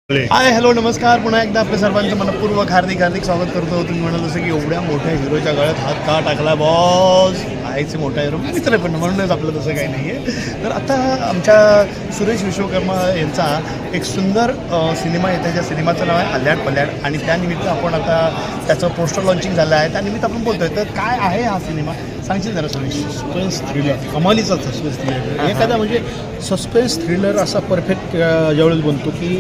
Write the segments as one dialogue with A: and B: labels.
A: Hi hello नमस्कार. पुन्हा एकदा आपल्या सर्वांचं मनपूर्वक हार्दिक स्वागत करतो. तुम्ही म्हणाल जसं की एवढ्या मोठ्या हिरोच्या गळ्यात हात का टाकला बॉस, आहेच मोठा हिरो मित्र पण म्हणूनच आपलं तसं काही नाही आहे. तर आता आमच्या सुरेश विश्वकर्मा यांचा एक सुंदर सिनेमा येतो, ज्या सिनेमाचं नाव आहे अल्याड पल्याड, आणि त्यानिमित्त आपण आता त्याचं पोस्टर लॉन्चिंग झालं आहे. त्यानिमित्त आपण बोलतोय. तर काय आहे हा सिनेमा, सांगशील जरा सुरेश?
B: सस्पेन्स थ्रिलर, कमालीचा सस्पेन्स थ्रिलर. एखादा म्हणजे सस्पेन्स थ्रिलर असा परफेक्ट ज्यावेळेस बनतो की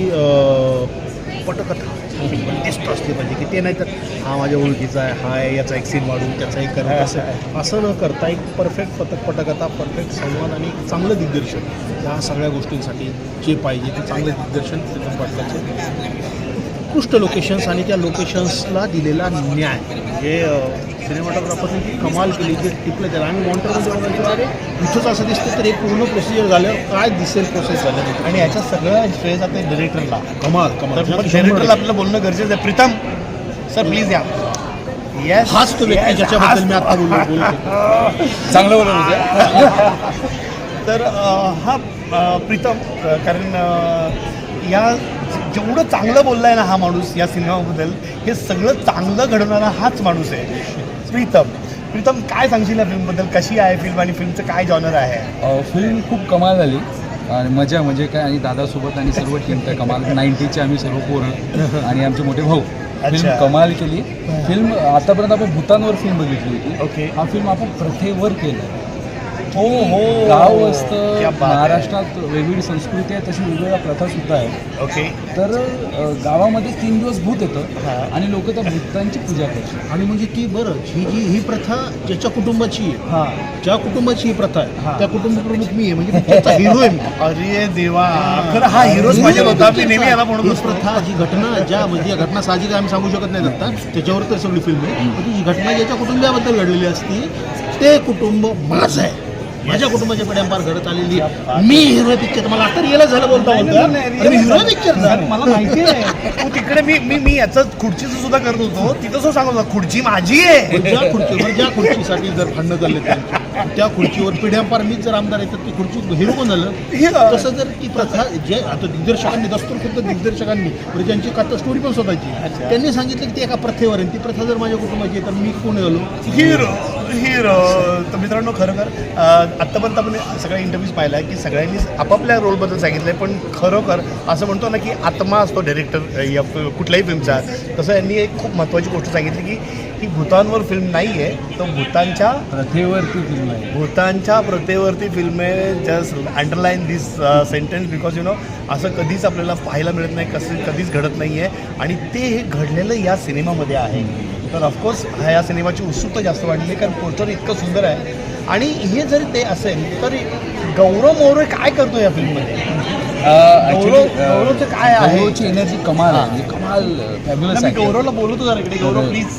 B: पटकथा दिसतो असली पाहिजे की ते नाही तर हा माझ्या ओळखीचा आहे, हा याचा एक सीन वाढून त्याचा एक करा, असं न करता एक परफेक्ट पटकथा, परफेक्ट संवाद आणि चांगलं दिग्दर्शन या सगळ्या गोष्टींसाठी जे पाहिजे ते चांगलं दिग्दर्शन प्रीतम पाटलाचं, उत्कृष्ट लोकेशन्स आणि त्या लोकेशन्सला दिलेला न्याय म्हणजे सिनेमॅटोग्राफरने ती कमाल केली. जे टिपलं त्याला आम्ही मॉनिटरमध्ये बघायचो, अरे इथंच असं दिसतं तर एक पूर्ण प्रोसिजर झाल्यावर काय दिसेल प्रोसेस झालं.
A: आणि याच्या सगळं श्रेय जाते डिरेक्टरला.
B: कमाल
A: डिरेक्टरला आपल्याला बोलणं गरजेचं आहे. प्रीतम सर प्लीज या. येस,
B: हाच तो व्यक्ती ज्याच्याबद्दल मी आता बोलतो.
A: चांगलं बोलत. तर हा प्रीतम, कारण या जेवढं चांगलं बोलला आहे ना हा माणूस या सिनेमाबद्दल, हे सगळं चांगलं घडवणारा हाच माणूस आहे प्रीतम. काय सांगशील या फिल्मबद्दल? कशी आहे फिल्म आणि फिल्मचं काय जॉनर आहे?
C: फिल्म खूप कमाल झाली आणि मजा म्हणजे काय, आणि दादासोबत आणि सर्व टीम तर कमाल. 90चे आम्ही सर्व पोरं आणि आमचे मोठे भाऊ. फिल्म कमाल केली. फिल्म आतापर्यंत आपण भूतानवर फिल्म बघितली होती.
A: ओके.
C: हा फिल्म आपण प्रथेवर केला.
A: हो हो.
C: गाव असतं, महाराष्ट्रात वेगवेगळी संस्कृती आहे, तशी वेगवेगळ्या प्रथा सुद्धा आहेत.
A: ओके.
C: तर गावामध्ये 3 दिवस भूत येतं आणि लोक त्या भूतांची पूजा करतात.
B: आणि म्हणजे ती बरं ही प्रथा ज्याच्या कुटुंबाची आहे, ज्या कुटुंबाची ही प्रथा आहे त्या कुटुंब प्रमुख मी आहे, म्हणजे त्याचा हिरो आहे मी.
A: अरे देवा, खरं हा हिरोच पाहिजे होता. मी नेहमी याला म्हणून
B: ही प्रथा, जी घटना, ज्या म्हणजे या घटना साहजिक आम्ही सांगू शकत नाही आता, त्याच्यावर तर सगळी फिल्म आहे. पण जी घटना ज्याच्या कुटुंबाबद्दल घडलेली असती ते कुटुंब माझं आहे, माझ्या कुटुंबाच्या पिढ्यांपार घडत आलेली. मी हिरो पिक्चर, मला आता रिअलाइज झालं बोलता मी हिरो पिक्चर.
A: मला माहिती आहे तू तिकडे मी याचं खुर्चीचं सुद्धा करत होतो. तिथं असं सांगत होता खुर्ची माझी आहे.
B: ज्या खुर्चीसाठी जर भांडणं चालले त्या खुर्चीवर पिढ्यांपार मीच जर आमदार येतात ती खुर्ची हिरो कोण झालं. तसं जर ती प्रथा जे आता दिग्दर्शकांनी, दस्तूर खुद्द दिग्दर्शकांनी म्हणजे ज्यांची कथा स्टोरी पण स्वतःची, त्यांनी सांगितलं की ती एका प्रथेवर आहे. ती प्रथा जर माझ्या कुटुंबाची आहे तर मी कोण झालो?
A: हिरो. तर मित्रांनो, खरोखर आत्तापर्यंत आपण सगळ्या इंटरव्ह्यूज पाहिला आहे की सगळ्यांनी आपापल्या रोलबद्दल सांगितलं आहे. पण खरोखर असं म्हणतो ना की आत्मा असतो डायरेक्टर या कुठल्याही फिल्मचा, तसं यांनी एक खूप महत्त्वाची गोष्ट सांगितली की ही भूतांवर फिल्म नाही आहे, तर भूतांच्या
C: प्रथेवरती फिल्म आहे.
A: भूतांच्या प्रथेवरती फिल्म आहे. Just underline this sentence, because असं कधीच आपल्याला पाहायला मिळत नाही, कधीच घडत नाही आहे, आणि ते हे घडलेलं या सिनेमामध्ये आहे. तर ऑफकोर्स या सिनेमाची उत्सुकता जास्त वाढलेली आहे, कारण पोस्टर इतकं सुंदर आहे. आणि हे जरी ते असेल तर गौरव मोरे काय करतो या फिल्ममध्ये? गौरवचं काय आहे?
C: गौरवची एनर्जी कमाल आहे, कमाल फॅब्युलस
A: मी
C: आहे.
A: गौरवला बोलवतो जरा इकडे. गौरव प्लीज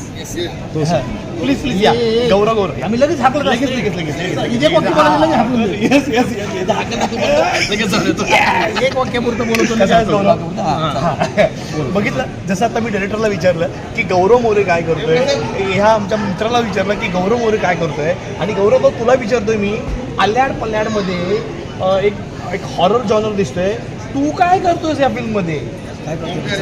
A: प्लीज या. गौरव आम्ही लगेच हाकलं. लगेच
B: एक वाक्यापुरतं बोलतो.
A: बघितलं, जसं आता मी डायरेक्टरला विचारलं की गौरव मोरे काय करतोय, ह्या आमच्या मित्राला विचारलं की गौरव मोरे काय करतोय, आणि गौरव तुला विचारतोय मी, अल्याड पल्याडमध्ये एक हॉरर जॉनर दिसतोय, तू काय करतोयस या फिल्ममध्ये? काय करतोय?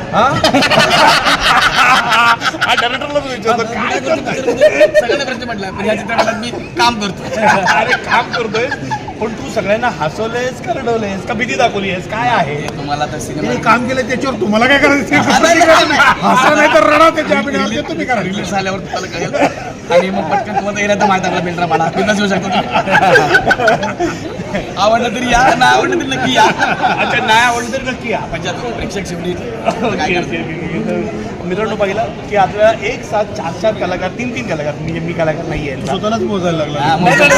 A: डायरेक्टरलाच विचारतो काय करतोय.
D: सगळ्यांना प्रश्न म्हटला, पण या चित्रपटात मी काम करतो.
A: अरे काम करतोय, पण तू सगळ्यांना हसवलंयस का रडवलंयस का भीती दाखवलीस, काय आहे?
D: तुम्हाला तर सिनेमा
B: काम केलं त्याच्यावर तुम्हाला काय करायचं? हसा नाही तर रडा. त्याच्या तुम्ही करा.
D: रिलीज झाल्यावर तुम्हाला कळेल, आणि मग पटकन तुम्हाला येणार तर माहिती आपला बेल्ट्रा पाडा बिंदास येऊ शकतो तुम्ही. आवडलं तरी या, नाही आवडलं तरी नक्की या.
A: अच्छा, नाही आवडलं तरी नक्की या.
D: म्हणजे आता प्रेक्षक शेवटी काय करतो.
A: मित्रांनो, पाहिलं की आपल्याला एक साथ 4 कलाकार, 3 कलाकार, म्हणजे मी कलाकार नाही आहे,
B: स्वतःलाच मोजायला लागला.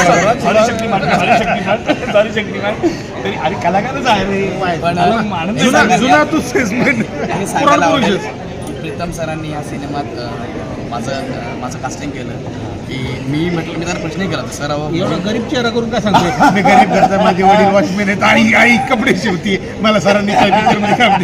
A: सॉरी शक्तिमान तरी, अरे कलाकारच आहे रे.
D: पण
B: जुना तू सेल्समॅन.
D: हे सांगायला आवडेल की प्रीतम सरांनी या सिनेमात माझं कास्टिंग केलं की मी म्हटलं, मी त्याला प्रश्नही केला सर,
B: एवढा गरीब चेहरा करून काय सांगतो? मी गरीब घरचा, माझे वडील वॉचमॅन आहेत आणि आई कपडे शिवते, मला सरांनी काय पिक्चरमध्ये काम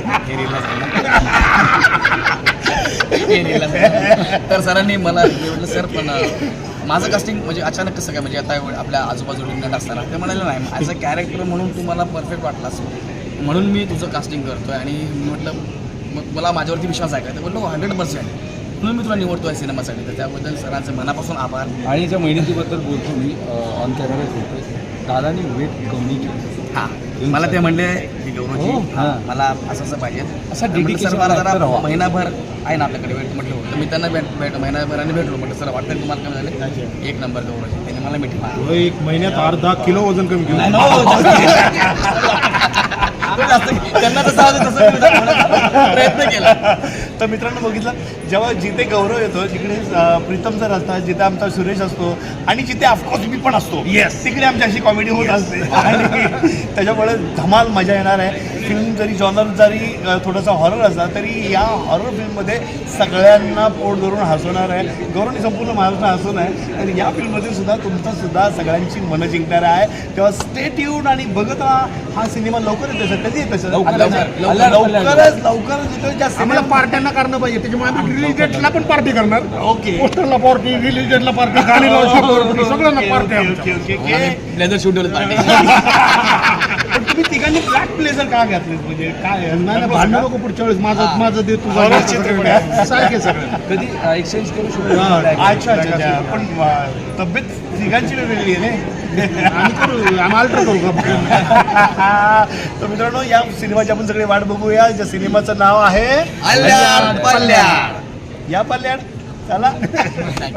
D: तर सरांनी मला म्हटलं सर, पण माझं कास्टिंग म्हणजे अचानक कसं काय, म्हणजे आता आपल्या आजूबाजूला नट असताना ते म्हणाले नाही, ॲज अ कॅरेक्टर म्हणून तुम्हाला परफेक्ट वाटला असं. म्हणून मी तुझं कास्टिंग करतोय आणि मी म्हटलं मग मला माझ्यावरती विश्वास आहे का तर बोललो 100% म्हणून मी तुला निवडतोय सिनेमासाठी तर त्याबद्दल सरांचे मनापासून आभार.
C: आणि ज्या मेहनतीबद्दल बोलतो मी ऑन कॅमेरा बोलतोय, दादानी वेट कमी केलं.
D: हां मला ते म्हणले की गौरवजी
C: हां.
D: मला असं पाहिजे
C: असा
D: तर म्हटलं,
C: dedication
D: सर मला
C: actor
D: जरा
C: हवा.
D: महिनाभर आहे ना आपल्याकडे वेट म्हटलं होतं मी त्यांना महिनाभराने भेटलो म्हटलं सर वाटतं की तुम्हाला काय झालं एक नंबर गौरवजी त्याने मला मिठी मारली.
B: एक महिन्यात 10 किलो वजन कमी केलं.
D: नाही, तो जास्त त्यांना जसं हवं तसं मी होण्याचा प्रयत्न केला.
A: तर मित्रांनो बघितलं जेव्हा जिथे गौरव येतो जिकडे प्रीतम सर असतात, जिथे आमचा सुरेश असतो आणि जिथे ऑफकोर्स मी पण असतो तिकडे आमची अशी कॉमेडी होत असते आणि त्याच्यामुळे धमाल मजा येणार आहे. फिल्म जरी जॉनर जरी थोडासा हॉरर असला तरी या हॉरर फिल्ममध्ये सगळ्यांना पोट धरून हसवणार आहे. गौरवने संपूर्ण महाराष्ट्र हसवून आहे आणि या फिल्ममध्ये सुद्धा तुमचं सुद्धा सगळ्यांची मनं जिंकणार आहे. तेव्हा स्टे ट्यून आणि बघत राहा. हा सिनेमा लवकर येतो सर, कधी येतो सर? लवकरच येतो. ज्या
B: आम्हाला
A: सिनेमा
B: पार्ट्यांना करणं पाहिजे, त्याच्यामुळे आम्ही रिलीज डेटला पण पार्टी करणार.
A: ओके
B: पोस्टरला पार्टी, रिलीज डेटला पार्टी, गाणी लावू सगळ्यांना पार्टी आमच्या.
D: ब्लेझर शूट होतं
A: पण तुम्ही तिघांनी ब्लॅक ब्लेझर का घातले म्हणजे काय
B: नाही भांडण नको पुढच्या वेळेस माझं दे तुझं
A: horror चित्रपट.
B: सारखे सगळं.
C: कधी एक्सचेंज करू
B: हां.
C: शकतो.
A: अच्छा अच्छा अच्छा पण तब्येत तिघांची वेगळी आहे ना.
B: आम्ही करू, आम्ही अल्टर करू का?
A: तर मित्रांनो या सिनेमाची आपण सगळे वाट बघूया. ज्या सिनेमाचं नाव आहे
D: अल्ल्याड पल्ल्याड.
A: या पल्ल्याड चला.